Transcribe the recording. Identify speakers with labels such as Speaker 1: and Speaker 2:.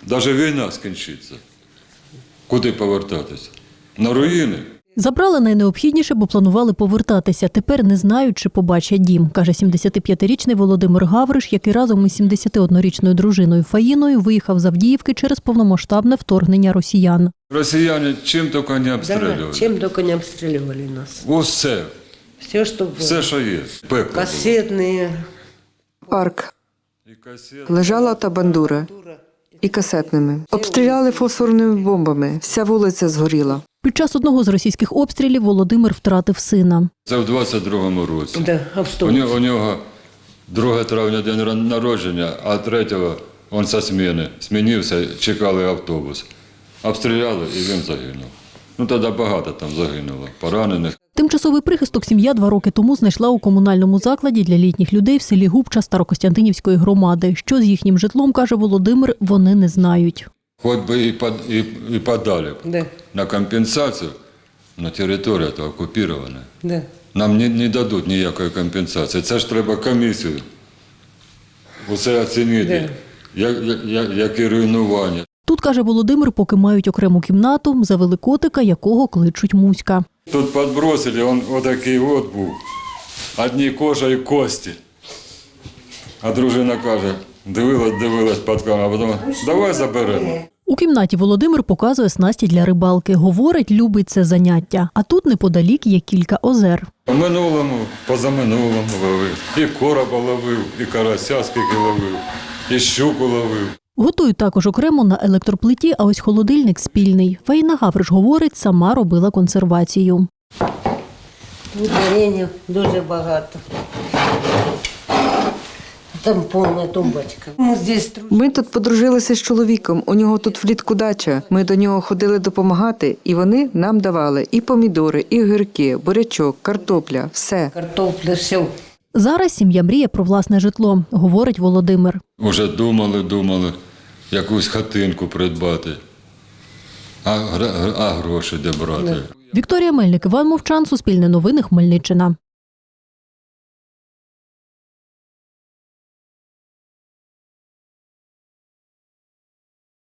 Speaker 1: навіть війна скінчиться. Куди повертатися? На руїни?
Speaker 2: Забрали найнеобхідніше, бо планували повертатися. Тепер не знають, чи побачать дім, каже 75-річний Володимир Гавриш, який разом із 71-річною дружиною Фаїною виїхав з Авдіївки через повномасштабне вторгнення росіян.
Speaker 1: Росіяни чим тільки не обстрілювали.
Speaker 3: Да, чем только не обстреливали нас.
Speaker 1: Усе.
Speaker 3: Все, что было.
Speaker 1: Все, що є. Пекло було.
Speaker 3: Кассетные.
Speaker 4: Парк.
Speaker 1: І касети.
Speaker 4: Лежала та бандура. І касетними. Обстріляли фосфорними бомбами. Вся вулиця згоріла.
Speaker 2: Під час одного з російських обстрілів Володимир втратив сина.
Speaker 1: Це в 22-му році.
Speaker 3: Да,
Speaker 1: У нього 2 травня день народження, а 3-го він зі зміни. Змінився, чекали автобус. Обстріляли і він загинув. Ну тоді багато там загинуло, поранених.
Speaker 2: Тимчасовий прихисток сім'я 2 роки тому знайшла у комунальному закладі для літніх людей в селі Губча Старокостянтинівської громади. Що з їхнім житлом, каже Володимир, вони не знають.
Speaker 1: Хоч би і подали б
Speaker 3: Да,
Speaker 1: на компенсацію, але територія то окупована.
Speaker 3: да.
Speaker 1: Нам не дадуть ніякої компенсації. Це ж треба комісію. Усе оцінити, які руйнування.
Speaker 2: Тут, каже Володимир, поки мають окрему кімнату, завели котика, якого кличуть Муська.
Speaker 1: Тут підбросили, він отакий от був. Одні кожа і кості. А дружина каже, дивилась під камеру, а потім давай заберемо.
Speaker 2: У кімнаті Володимир показує снасті для рибалки. Говорить, любить це заняття. А тут неподалік є кілька озер.
Speaker 1: По минулому, позаминулому ловив. І короба ловив, і карася скільки ловив, і щуку ловив.
Speaker 2: Готують також окремо на електроплиті, а ось холодильник спільний. Фаїна Гавриш говорить, сама робила консервацію.
Speaker 3: Тут варенья дуже багато. Там повна тумбочка. Ми здесь
Speaker 4: Ми тут подружилися з чоловіком. У нього тут влітку дача. Ми до нього ходили допомагати, і вони нам давали і помідори, і огірки, бурячок, картопля, все.
Speaker 3: картопля, все.
Speaker 2: Зараз сім'я мріє про власне житло, говорить Володимир.
Speaker 1: Уже думали, якусь хатинку придбати. А гроші де брати?
Speaker 2: Вікторія Мельник, Іван Мовчан, Суспільне новини, Хмельниччина.